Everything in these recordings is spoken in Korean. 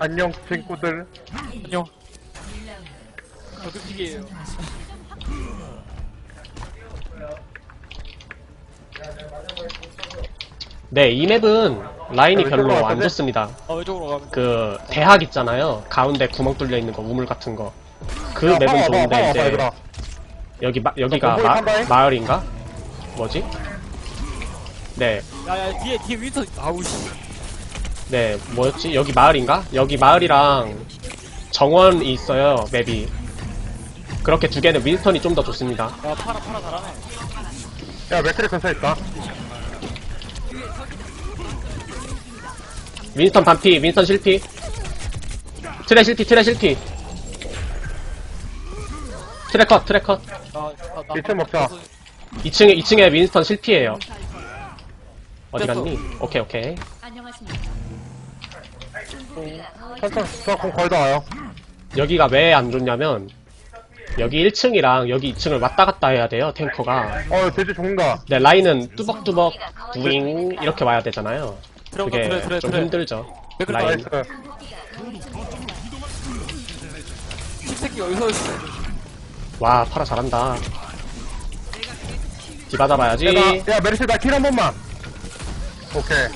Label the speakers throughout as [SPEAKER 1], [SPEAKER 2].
[SPEAKER 1] 안녕 친구들.
[SPEAKER 2] 안녕. 어떻게해요?
[SPEAKER 3] 네, 이 맵은 라인이
[SPEAKER 1] 야,
[SPEAKER 3] 별로
[SPEAKER 1] 왼쪽으로
[SPEAKER 3] 안
[SPEAKER 1] 갈까지?
[SPEAKER 3] 좋습니다.
[SPEAKER 2] 왼쪽으로 가면.
[SPEAKER 3] 그 대학 있잖아요. 가운데 구멍 뚫려 있는 거, 우물 같은 거. 그
[SPEAKER 1] 야,
[SPEAKER 3] 맵은
[SPEAKER 1] 봐봐,
[SPEAKER 3] 좋은데
[SPEAKER 1] 봐봐,
[SPEAKER 3] 이제
[SPEAKER 1] 얘들아.
[SPEAKER 3] 여기가
[SPEAKER 1] 건보이 판다잉?
[SPEAKER 3] 마을인가? 뭐지? 네,
[SPEAKER 2] 야야 뒤에 윈터. 아우씨.
[SPEAKER 3] 네, 뭐였지? 여기 마을인가? 여기 마을이랑 정원이 있어요, 맵이. 그렇게 두 개는 윈스턴이 좀 더 좋습니다.
[SPEAKER 2] 야 파라 잘하네.
[SPEAKER 1] 야 맥크리 근처에 있다.
[SPEAKER 3] 윈스턴 반피, 윈스턴 실피. 트레 실피. 트레 컷.
[SPEAKER 1] 이층 먹자.
[SPEAKER 3] 2층에 윈스턴 실피예요. 어디
[SPEAKER 2] 됐어.
[SPEAKER 3] 갔니? 오케이.
[SPEAKER 1] 천천히 저공 거의 다 와요.
[SPEAKER 3] 여기가 왜 안 좋냐면 여기 1층이랑 여기 2층을 왔다 갔다 해야 돼요, 탱커가.
[SPEAKER 1] 돼지 죽는다.
[SPEAKER 3] 네, 라인은 뚜벅뚜벅 부잉 이렇게 와야 되잖아요. 그게
[SPEAKER 2] 들어온다,
[SPEAKER 3] 좀
[SPEAKER 2] 그래.
[SPEAKER 3] 힘들죠.
[SPEAKER 2] 맥클
[SPEAKER 3] 라인.
[SPEAKER 1] 나이스.
[SPEAKER 2] 씹새끼 어디서 있어?
[SPEAKER 3] 와, 파라 잘한다. 디바 잡아야지.
[SPEAKER 1] 야 메르시 나 킬 한 번만. 오케이.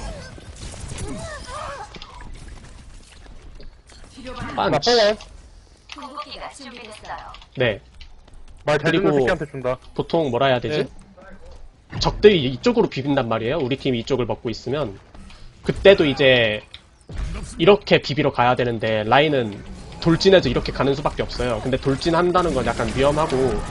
[SPEAKER 1] 나
[SPEAKER 3] 빤치.
[SPEAKER 1] 뽕원.
[SPEAKER 4] 궁극기가 준비됐어요.
[SPEAKER 3] 네,
[SPEAKER 1] 말 잘 듣는
[SPEAKER 3] 그리고-
[SPEAKER 1] 새끼한테 준다.
[SPEAKER 3] 보통 뭐라 해야 되지? 적들이 이쪽으로 비빈단 말이에요. 우리 팀이 이쪽을 먹고 있으면. 그때도 이제 이렇게 비비러 가야 되는데 라인은 돌진해서 이렇게 가는 수밖에 없어요. 근데 돌진한다는 건 약간 위험하고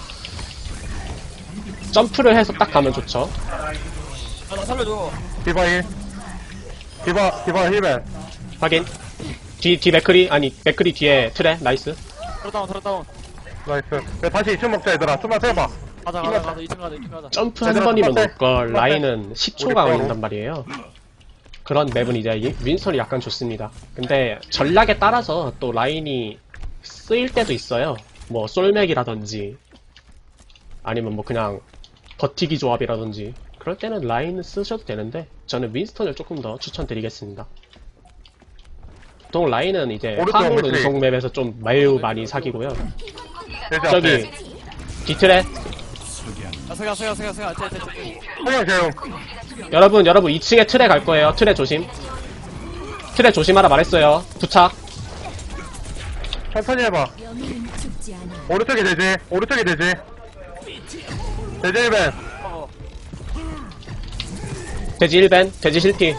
[SPEAKER 3] 점프를 해서 딱 가면 좋죠.
[SPEAKER 2] 나 살려줘.
[SPEAKER 1] 디바 1. 디바 힐맨.
[SPEAKER 3] 확인. 뒤 맥크리, 아니 맥크리 뒤에 트레. 나이스.
[SPEAKER 2] 들어다운.
[SPEAKER 1] 나이스. 야 다시 2층 먹자 얘들아. 좀만 세봐.
[SPEAKER 2] 가자 2층 가자.
[SPEAKER 3] 점프 한
[SPEAKER 1] 얘들아,
[SPEAKER 3] 번이면
[SPEAKER 1] 똑같아.
[SPEAKER 3] 올걸.
[SPEAKER 1] 똑같아.
[SPEAKER 3] 라인은 10초가
[SPEAKER 1] 우리 거로.
[SPEAKER 3] 걸린단 말이에요. 그런 맵은 이제 윈선이 약간 좋습니다. 근데 전략에 따라서 또 라인이 쓰일 때도 있어요. 뭐 솔맥이라든지 아니면 뭐 그냥 버티기 조합이라든지 그럴 때는 라인을 쓰셔도 되는데 저는 윈스턴을 조금 더 추천드리겠습니다. 보통 라인은 이제
[SPEAKER 1] 오른쪽
[SPEAKER 3] 화물
[SPEAKER 1] 맥크리.
[SPEAKER 3] 운송 맵에서 좀 매우 많이 사귀고요.
[SPEAKER 1] 돼지
[SPEAKER 3] 저기
[SPEAKER 1] 앞에.
[SPEAKER 3] 뒤틀에
[SPEAKER 2] 야 세가.
[SPEAKER 1] 성형 재용.
[SPEAKER 3] 여러분 2층에 틀에 갈 거예요. 틀에 조심. 틀에 조심하라 말했어요. 부착.
[SPEAKER 1] 천천히 해봐. 오른쪽에 돼지. 돼지 힐맨.
[SPEAKER 3] 돼지 1벤, 돼지 실피.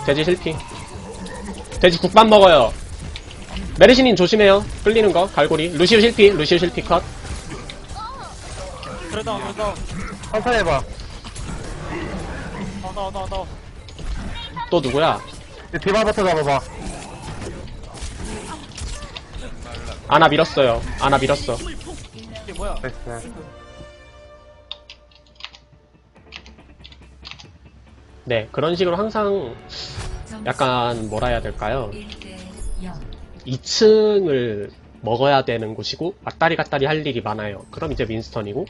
[SPEAKER 3] 돼지 국밥 먹어요. 메르시님 조심해요. 끌리는 거, 갈고리. 루시우 실피 컷.
[SPEAKER 2] 들어다운.
[SPEAKER 1] 천천히 해봐.
[SPEAKER 2] 나와.
[SPEAKER 3] 또 누구야?
[SPEAKER 1] 이 디바부터 잡아봐.
[SPEAKER 3] 아나 밀었어요. 아나 밀었어.
[SPEAKER 2] 이게 뭐야?
[SPEAKER 1] 나이스.
[SPEAKER 3] 네, 그런 식으로 항상 약간 뭐라 해야 될까요? 2층을 먹어야 되는 곳이고 왔다리 갔다리 할 일이 많아요. 그럼 이제 윈스턴이고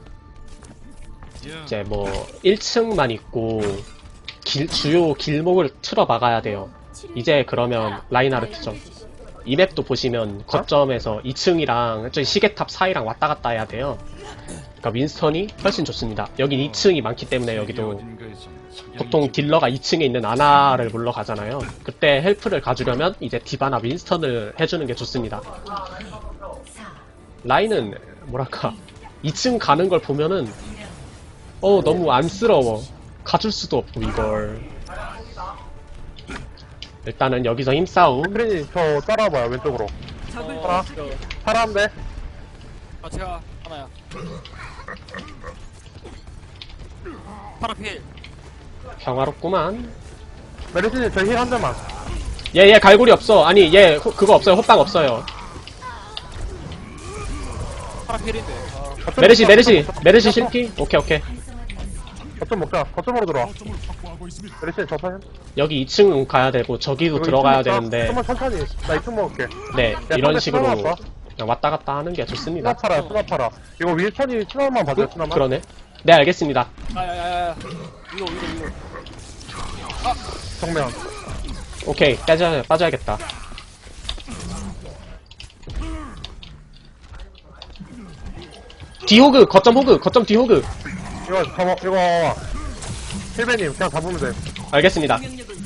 [SPEAKER 3] 이제 뭐 1층만 있고 주요 길목을 틀어 막아야 돼요. 이제 그러면 라인하르트죠. 이 맵도 보시면 거점에서 2층이랑 저기 시계탑 사이랑 왔다 갔다 해야 돼요. 그러니까 윈스턴이 훨씬 좋습니다. 여긴 2층이 많기 때문에 여기도 보통 딜러가 2층에 있는 아나를 물러가잖아요. 그때 헬프를 가주려면 이제 디바나 윈스턴을 해주는 게 좋습니다. 라인은 뭐랄까 2층 가는 걸 보면은 너무 안쓰러워. 가줄 수도 없고 이걸. 일단은 여기서 힘싸움.
[SPEAKER 1] 크린이 저 따라와봐요 왼쪽으로.
[SPEAKER 2] 파라.
[SPEAKER 1] 파란데.
[SPEAKER 2] 제가 하나야. 파라 필.
[SPEAKER 3] 평화롭구만.
[SPEAKER 1] 메르시님 저 힐 한 대만.
[SPEAKER 3] 얘 갈고리 없어. 아니 얘 그거 없어요. 호빵 없어요.
[SPEAKER 2] 파라 필인데.
[SPEAKER 3] 메르시 실피? 오케이.
[SPEAKER 1] 거점 먹자. 거점으로 들어와. 메르시님 저 사실.
[SPEAKER 3] 여기 2층 가야 되고 저기도 들어가야 되는데
[SPEAKER 1] 좀만 천천히. 나 2층 먹을게.
[SPEAKER 3] 네 이런
[SPEAKER 1] 상대
[SPEAKER 3] 식으로
[SPEAKER 1] 수납 왔어?
[SPEAKER 3] 그냥 왔다 갔다 하는 게 좋습니다.
[SPEAKER 1] 수납하라. 이거 윈스턴이 수납만 봐줘요, 수납만.
[SPEAKER 3] 그러네. 네 알겠습니다.
[SPEAKER 2] 야야야야. 위로.
[SPEAKER 1] 정면.
[SPEAKER 3] 오케이 빠져야겠다. 뒤호그, 거점 호그, 거점 뒤호그.
[SPEAKER 1] 이거 잡아, 이거 와봐. 힐베님, 그냥 잡으면 돼.
[SPEAKER 3] 알겠습니다.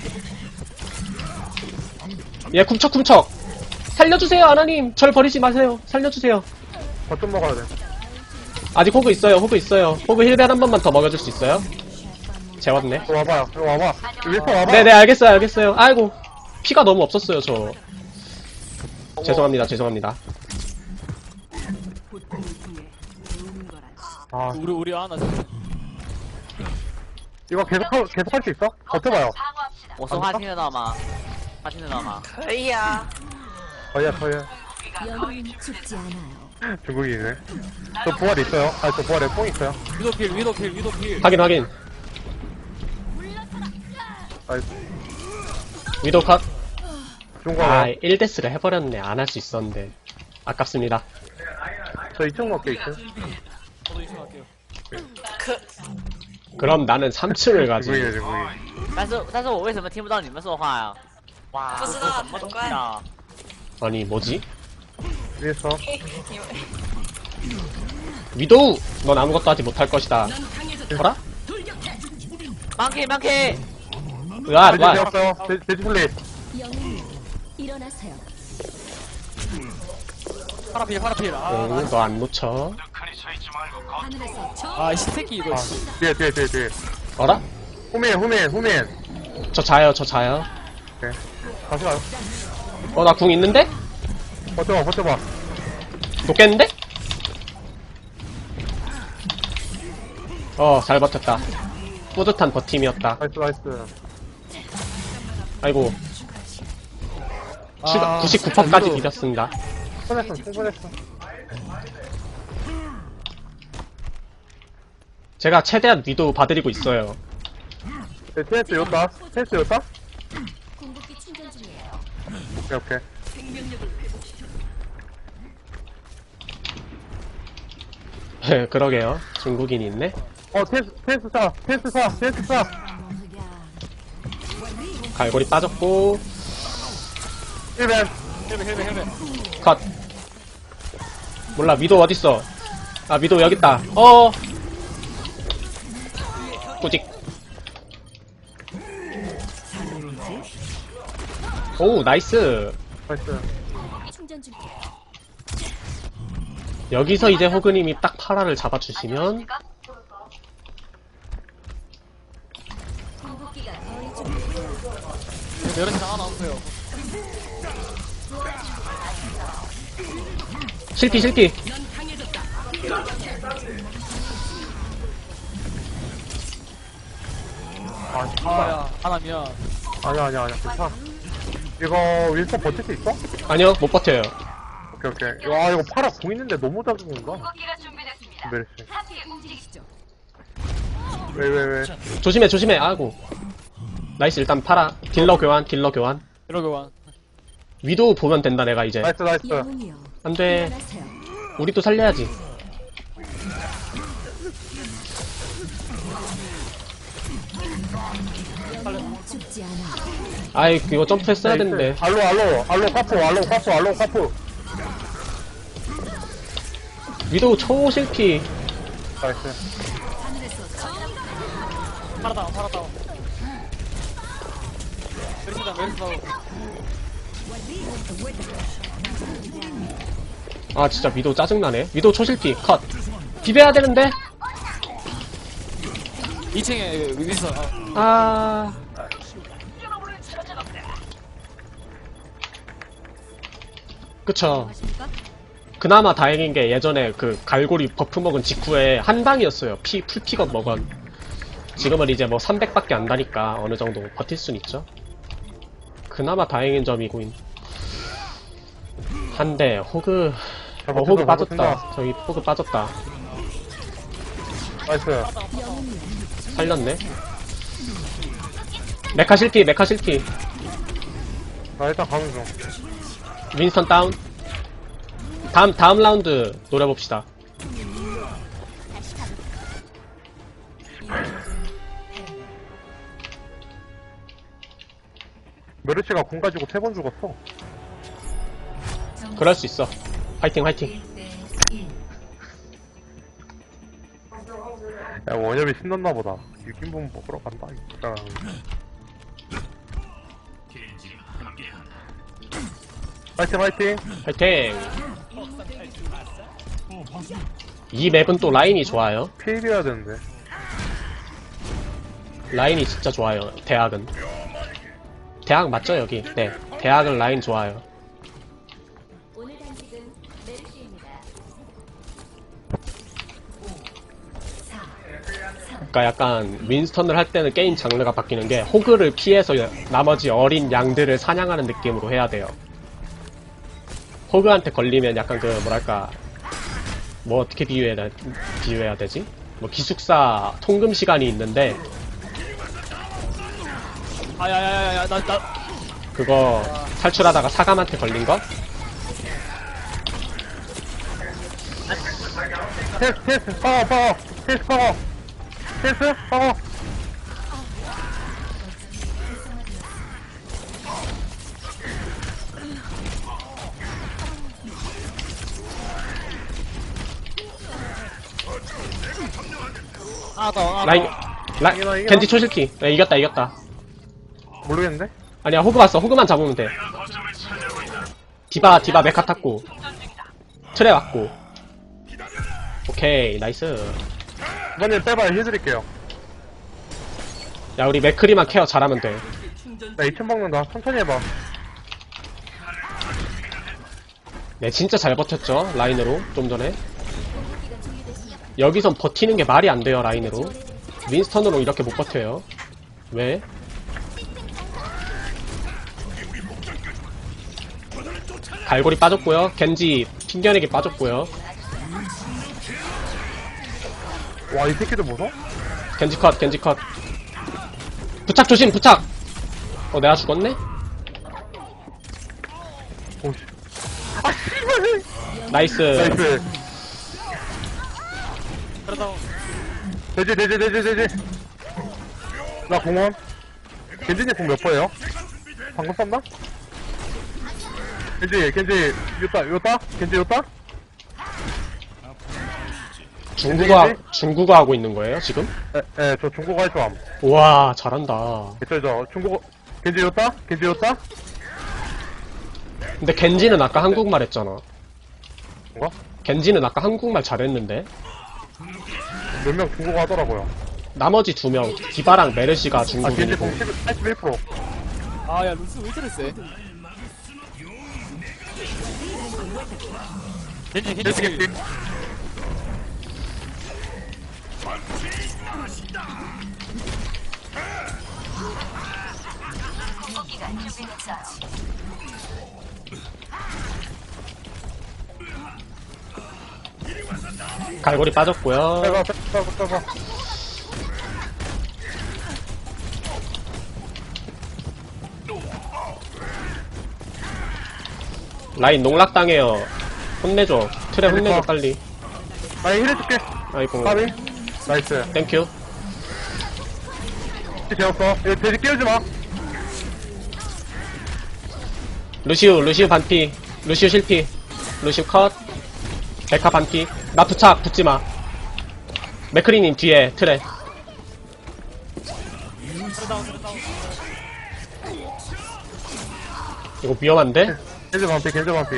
[SPEAKER 3] 예, 쿰척쿰척. 살려주세요, 아나님. 절 버리지 마세요. 살려주세요.
[SPEAKER 1] 거점 먹어야 돼.
[SPEAKER 3] 아직 호그 있어요, 호그 있어요. 호그 힐벨 한 번만 더 먹여줄 수 있어요? 재웠네.
[SPEAKER 1] 이거 와봐요, 이거 와봐. 윌터 와봐.
[SPEAKER 3] 네네, 알겠어요, 알겠어요. 아이고, 피가 너무 없었어요, 저. 죄송합니다, 죄송합니다.
[SPEAKER 1] 아,
[SPEAKER 2] 우리 하나.
[SPEAKER 1] 이거 계속 할 수 있어? 버텨봐요.
[SPEAKER 5] 我说话听得到吗？他听得到吗？
[SPEAKER 6] 可以啊，
[SPEAKER 1] 저희야.
[SPEAKER 4] 영웅은 죽지 않아요.
[SPEAKER 1] 중국인이네. 저 부활 있어요. 아, 저 부활에 뽕 있어요.
[SPEAKER 2] 위도필.
[SPEAKER 3] 확인, 확인.
[SPEAKER 1] 나이스.
[SPEAKER 3] 위도우 컷.
[SPEAKER 1] 중국
[SPEAKER 3] 아,
[SPEAKER 1] 와.
[SPEAKER 3] 1데스를 해버렸네. 안 할 수 있었는데. 아깝습니다.
[SPEAKER 1] 저 2층 먹게 2층.
[SPEAKER 2] 저도 이승 할게요.
[SPEAKER 3] 그럼 나는 3층을 가지.
[SPEAKER 1] 중국이네, 중국인.
[SPEAKER 5] 但是我为什么听不到你们说话呀？哇，
[SPEAKER 6] 不知道
[SPEAKER 5] 什么东西啊？
[SPEAKER 3] 아니, 뭐지?
[SPEAKER 1] 위에서.
[SPEAKER 3] 위도우! 넌 아무것도 하지 못할 것이다. 뭐라?
[SPEAKER 5] 망키 망키.
[SPEAKER 3] 와,
[SPEAKER 1] 돼지
[SPEAKER 3] 와.
[SPEAKER 1] 되었어요. 돼지 플레이.
[SPEAKER 4] 영웅님, 일어나세요.
[SPEAKER 2] 파라필.
[SPEAKER 3] 응, 너 안 놓쳐.
[SPEAKER 4] 하늘에서 저
[SPEAKER 2] 아, 이 새끼 이거.
[SPEAKER 1] 아, 뒤에.
[SPEAKER 3] 어라?
[SPEAKER 1] 후면.
[SPEAKER 3] 저 자요, 저 자요.
[SPEAKER 1] 오케이. 다시 가요.
[SPEAKER 3] 나 궁 있는데?
[SPEAKER 1] 버텨봐.
[SPEAKER 3] 녹겠는데? 잘 버텼다. 뿌듯한 버팀이었다.
[SPEAKER 1] 나이스.
[SPEAKER 3] 아이고,
[SPEAKER 1] 아,
[SPEAKER 3] 99%까지
[SPEAKER 1] 위도우.
[SPEAKER 3] 비볐습니다.
[SPEAKER 1] 충분했어.
[SPEAKER 3] 제가 최대한 위도우 봐드리고 있어요.
[SPEAKER 1] 네, TS 였다.
[SPEAKER 4] 궁극기 충전 중이에요.
[SPEAKER 1] 오케이.
[SPEAKER 3] 그러게요. 중국인이 있네.
[SPEAKER 1] TS 사.
[SPEAKER 3] 갈고리 빠졌고,
[SPEAKER 1] 1벤.
[SPEAKER 2] 헬멧.
[SPEAKER 3] 컷. 몰라, 위도우 어딨어? 아, 위도우 여깄다. 꾸직. 오, 나이스.
[SPEAKER 1] 나이스.
[SPEAKER 4] 충전 중이에요.
[SPEAKER 3] 여기서 이제 호그님이 딱 파라를 잡아주시면,
[SPEAKER 4] 궁극기가 거의 준비됐어요.
[SPEAKER 2] 메르시 하나 없어요.
[SPEAKER 3] 실피.
[SPEAKER 2] 아야, 하나 미안.
[SPEAKER 1] 아니야. 괜찮아. 이거 윌터 버틸 수 있어?
[SPEAKER 3] 아니요, 못 버텨요.
[SPEAKER 1] 오케이. 와, 이거 파라 공 있는데 너무 작은 건가?
[SPEAKER 4] 궁극기가 준비됐습니다.
[SPEAKER 1] 메르시.
[SPEAKER 4] 함께 움직이시죠.
[SPEAKER 1] 왜.
[SPEAKER 3] 조심해. 아이고. 나이스, 일단 파라. 딜러 교환.
[SPEAKER 2] 이러고 와.
[SPEAKER 3] 위도우 보면 된다, 내가 이제.
[SPEAKER 1] 나이스.
[SPEAKER 4] 영웅이요.
[SPEAKER 3] 안 돼.
[SPEAKER 4] 일어나세요.
[SPEAKER 3] 우리도 살려야지.
[SPEAKER 4] 영웅은 죽지 않아요.
[SPEAKER 3] 아이, 이거 점프했어야 됐는데.
[SPEAKER 1] 알로 카푸.
[SPEAKER 3] 위도우 초실피.
[SPEAKER 1] 나이스.
[SPEAKER 2] 파라다운. 메르시 다운.
[SPEAKER 3] 아, 진짜 위도우 짜증나네. 위도우 초실피. 컷. 비벼야 되는데?
[SPEAKER 2] 2층에 윈스턴.
[SPEAKER 3] 아. 그쵸. 그나마 다행인 게 예전에 그 갈고리 버프 먹은 직후에 한 방이었어요. 풀픽업 먹은. 지금은 이제 뭐 300밖에 안 다니까 어느 정도 버틸 순 있죠. 그나마 다행인 점이고인. 한데 호그 호그 빠졌다. 저기 호그 빠졌다.
[SPEAKER 1] 나이스.
[SPEAKER 3] 살렸네. 메카 실피.
[SPEAKER 1] 나 일단 가는 중.
[SPEAKER 3] 윈스턴 다운. 다음 라운드 노려봅시다.
[SPEAKER 1] 메르시가 공 가지고 3번 죽었어.
[SPEAKER 3] 그럴 수 있어. 화이팅.
[SPEAKER 1] 야, 원협이 신났나 보다. 육인분 먹으러 간다. 진짜. 파이팅, 파이팅.
[SPEAKER 3] 파이팅! 이 맵은 또 라인이 좋아요.
[SPEAKER 1] 피해야 되는데.
[SPEAKER 3] 라인이 진짜 좋아요. 대학은. 대학 맞죠, 여기? 네. 대학은 라인 좋아요.
[SPEAKER 4] 오늘 단식은 메르시입니다.
[SPEAKER 3] 그러니까 약간 윈스턴을 할 때는 게임 장르가 바뀌는 게 호그를 피해서 나머지 어린 양들을 사냥하는 느낌으로 해야 돼요. 호그한테 걸리면 약간 그 뭐랄까 뭐 어떻게 비유해야 되지? 뭐 기숙사 통금 시간이 있는데
[SPEAKER 2] 아야야야야 나
[SPEAKER 3] 그거 탈출하다가 사감한테 걸린 거?
[SPEAKER 1] 테스트, 파워. 테스트, 파워. 테스트, 파워.
[SPEAKER 2] 하나 더
[SPEAKER 3] 라인
[SPEAKER 1] 이기나.
[SPEAKER 3] 겐지 초실키. 네, 이겼다.
[SPEAKER 1] 모르겠는데?
[SPEAKER 3] 아니야 호그 왔어. 호그만 잡으면 돼. 디바 메카 탔고 트레 왔고. 오케이 나이스.
[SPEAKER 1] 이번엔 빼봐, 해드릴게요.
[SPEAKER 3] 야 우리 맥크리만 케어 잘하면 돼.
[SPEAKER 1] 나 2천 먹는다. 천천히 해봐.
[SPEAKER 3] 네 진짜 잘 버텼죠 라인으로 좀 전에. 여기선 버티는 게 말이 안 돼요 라인으로. 윈스턴으로 이렇게 못 버텨요. 왜? 갈고리 빠졌고요. 겐지 튕겨내기 빠졌고요.
[SPEAKER 1] 와, 이 새끼들 무서워?
[SPEAKER 3] 겐지 컷. 부착 조심 부착. 내가 죽었네?
[SPEAKER 1] 오씨. 아, 씨발!
[SPEAKER 3] 나이스.
[SPEAKER 1] 나이스.
[SPEAKER 2] 그러다
[SPEAKER 1] 되지. 나 공원. 겐지님 공 몇 퍼예요? 방금 썼나? 겐지, 요따? 겐지 요따?
[SPEAKER 3] 중국어 하고 있는 거예요 지금?
[SPEAKER 1] 저 중국어 할 줄 암.
[SPEAKER 3] 우와 잘한다.
[SPEAKER 1] 저 중국어, 겐지 요따?
[SPEAKER 3] 근데 겐지는 아까 한국말 했잖아.
[SPEAKER 1] 뭔가?
[SPEAKER 3] 겐지는 아까 한국말 잘했는데
[SPEAKER 1] 몇 명 중국어 하더라고요.
[SPEAKER 3] 나머지 2명 디바랑 메르시가
[SPEAKER 1] 겐지 공
[SPEAKER 3] 중국인이고
[SPEAKER 1] 81%.
[SPEAKER 2] 아야 루스 왜 저래 세? 겐지
[SPEAKER 1] 겐지.
[SPEAKER 3] 갈고리 빠졌고요.
[SPEAKER 1] 빼봐.
[SPEAKER 3] 라인 농락당해요. 혼내줘. 트레 혼내줘 빨리.
[SPEAKER 1] 나 힐 해줄게.
[SPEAKER 3] 아이고
[SPEAKER 1] 까비. 나이스.
[SPEAKER 3] 땡큐.
[SPEAKER 1] 되었어. 이거 돼지 깨우지 마.
[SPEAKER 3] 루시우 반피. 루시우 실피. 루시우 컷. 베카 반피. 나 부착 붙지마. 맥크리님 뒤에 트레. 이거 위험한데?
[SPEAKER 1] 겐지 반피.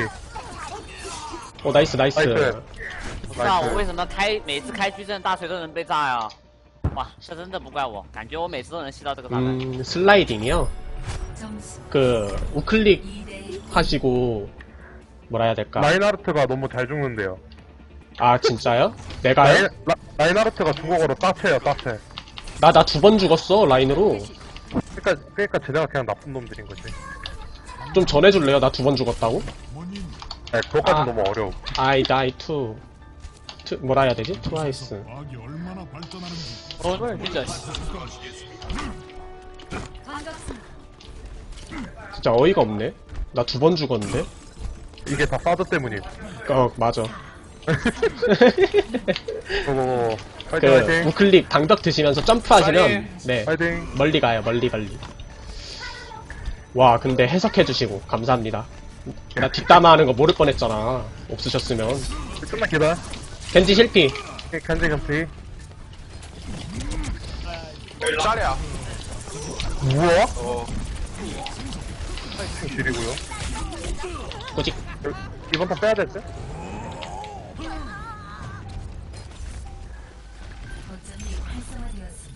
[SPEAKER 3] 나이스.
[SPEAKER 5] 不知道我为什么每次开矩阵大锤都能被炸呀？哇，这真的不怪我，感觉我每次都能吸到这个炸弹。
[SPEAKER 3] 슬라이딩이요?
[SPEAKER 4] 점수
[SPEAKER 3] 우클릭
[SPEAKER 4] 2대
[SPEAKER 3] 하시고 뭐라 해야 될까?
[SPEAKER 1] 라인하르트가 너무 잘 죽는데요.
[SPEAKER 3] 아 진짜요? 내가요?
[SPEAKER 1] 라인하르트가 중국어로 따체예요, 따체.
[SPEAKER 3] 나 2번 죽었어 라인으로.
[SPEAKER 1] 그러니까 쟤네가 그냥 나쁜 놈들인 거지.
[SPEAKER 3] 좀 전해줄래요? 나 2번 죽었다고?
[SPEAKER 1] 네, 그것까지
[SPEAKER 3] 아.
[SPEAKER 1] 너무 어려워.
[SPEAKER 3] I die too. 뭐라 해야 되지? 트와이스.
[SPEAKER 2] 진짜
[SPEAKER 4] 반갑습니다.
[SPEAKER 3] 진짜 어이가 없네. 나 2번 죽었는데?
[SPEAKER 1] 이게 다 사드 때문임.
[SPEAKER 3] 맞아.
[SPEAKER 1] 파이팅.
[SPEAKER 3] 우클릭 방벽 드시면서 점프하시면 네
[SPEAKER 1] 파이팅.
[SPEAKER 3] 멀리 가요. 멀리. 와 근데 해석해주시고 감사합니다. 나 뒷담화하는 거 모를 뻔했잖아. 없으셨으면.
[SPEAKER 1] 끝나 기다.
[SPEAKER 3] 겐지 실피.
[SPEAKER 1] 겐지.
[SPEAKER 6] 짤이야.
[SPEAKER 1] 우와?
[SPEAKER 6] 어.
[SPEAKER 1] 줄이고요.
[SPEAKER 3] 꾸직.
[SPEAKER 1] 이번 판 빼야 될 듯?
[SPEAKER 4] 거점이 활성화되었습니다.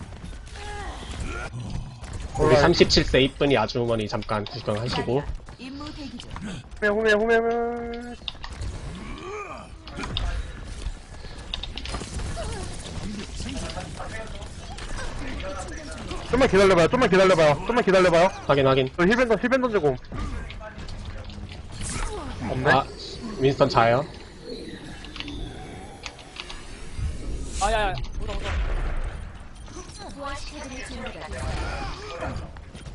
[SPEAKER 3] 우리 37세 이쁜이 아주머니 잠깐 구경하시고.
[SPEAKER 4] 임무 대기 중.
[SPEAKER 1] 후면. 좀만 기다려봐요.
[SPEAKER 3] 확인.
[SPEAKER 1] 저 힐벤 던지고. 없네?
[SPEAKER 3] 아, 윈스턴 자요.
[SPEAKER 2] 아, 야, 야. 오다.
[SPEAKER 4] 부활시켜드릴 준비가 됐어요.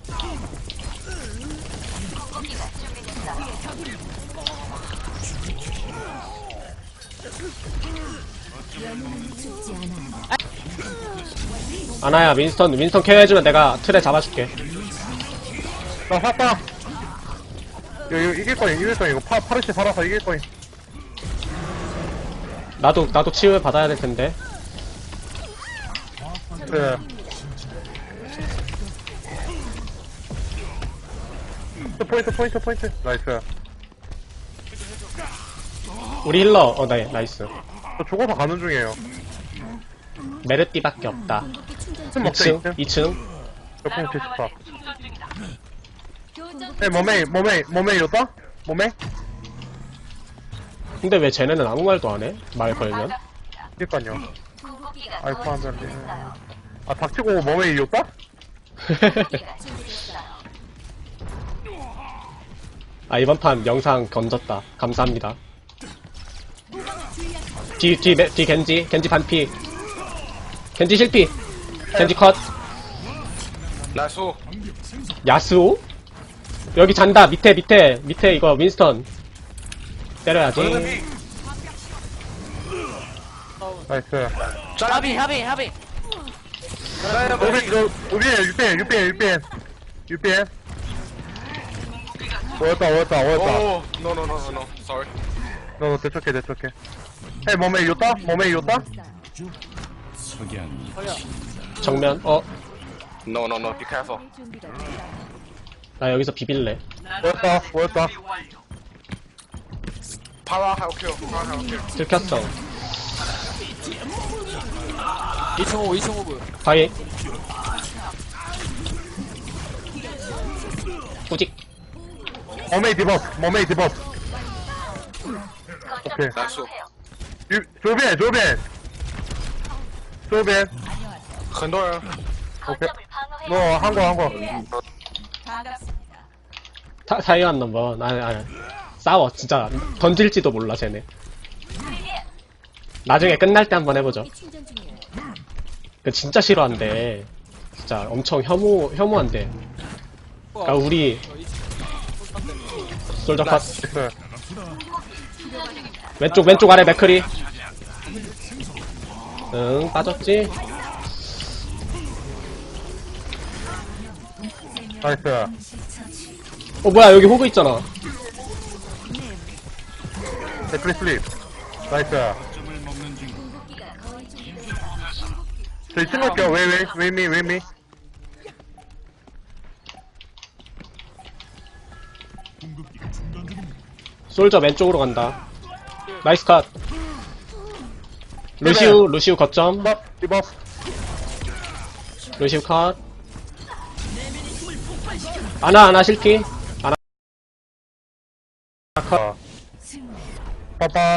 [SPEAKER 4] 죽지 않아.
[SPEAKER 3] 아나야, 윈스턴 케어해주면 내가 틀에 잡아줄게.
[SPEAKER 1] 나 샀다. 이거 이길 거임. 이거 파르시 살아서 이길 거임.
[SPEAKER 3] 나도 치유 받아야 될 텐데.
[SPEAKER 1] 그래. 포인트. 나이스.
[SPEAKER 3] 우리 힐러, 네, 나이스.
[SPEAKER 1] 저 죽어서 가는 중이에요.
[SPEAKER 3] 메르띠밖에 없다.
[SPEAKER 1] 좀 먹자,
[SPEAKER 3] 2층. 2층.
[SPEAKER 1] 몇분 74. 몸에 이렇다? 몸에?
[SPEAKER 3] 근데 왜 쟤네는 아무 말도 안 해? 말 걸면?
[SPEAKER 1] 그니까요. 아이쿠 하면 아, 닥치고 몸에 이었다?
[SPEAKER 3] 아, 이번 판 영상 건졌다. 감사합니다. 뒤 겐지 반피. 겐지 실피. 겐지 컷.
[SPEAKER 6] 나수.
[SPEAKER 3] 야스오? 여기 잔다. 밑에 이거 윈스턴. 때려야지.
[SPEAKER 1] 나이스.
[SPEAKER 5] 하비.
[SPEAKER 1] UPN. 오였다.
[SPEAKER 6] 오. No. Sorry.
[SPEAKER 1] 너 대척해. 헤이, 몸에 이었다?
[SPEAKER 3] 정면.
[SPEAKER 6] No. Be careful.
[SPEAKER 4] 준비가 됐어요.
[SPEAKER 3] 나 여기서 비빌래.
[SPEAKER 1] 오였다.
[SPEAKER 6] 파라 할게요.
[SPEAKER 3] 들켰어.
[SPEAKER 2] 2층 오브.
[SPEAKER 3] 바위. 꾸직.
[SPEAKER 1] 몸에 디버프. 오케이.
[SPEAKER 6] 나수.
[SPEAKER 1] 조벤.
[SPEAKER 6] 很多人.
[SPEAKER 1] 오케이. 너, 한 거.
[SPEAKER 3] 타이완 넘버. 싸워. 진짜. 던질지도 몰라, 쟤네. 나중에 끝날 때 한번 해보죠.
[SPEAKER 4] 충전 중이에요.
[SPEAKER 3] 그 진짜 싫어한대. 진짜 엄청 혐오한대. 그니까 우리, 솔저 컷.
[SPEAKER 1] 나이스.
[SPEAKER 3] 왼쪽 아래 맥크리. 응, 빠졌지?
[SPEAKER 1] 나이스.
[SPEAKER 3] 뭐야, 여기 호그 있잖아.
[SPEAKER 1] 데프리 슬립. 나이스. 저 2층 갈게요. 웨이미.
[SPEAKER 3] 솔저 왼쪽으로 간다. 나이스 컷. 루시우 거점.
[SPEAKER 1] 디버프.
[SPEAKER 3] 루시우 컷. 아나 실키. 아나 컷.
[SPEAKER 1] 빠빠.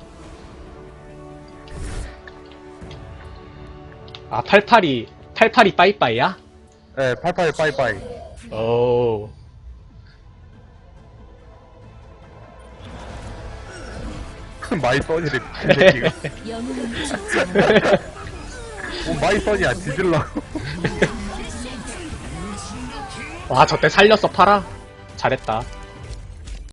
[SPEAKER 3] 아, 88이 빠이빠이야?
[SPEAKER 1] 네, 빠이빠이.
[SPEAKER 3] 오.
[SPEAKER 1] 마이 써니래, 그 새끼가.
[SPEAKER 4] 영웅은 죽지 않아.
[SPEAKER 1] 마이 써니야, 뒤질러.
[SPEAKER 3] 와, 저때 살렸어, 팔아? 잘했다.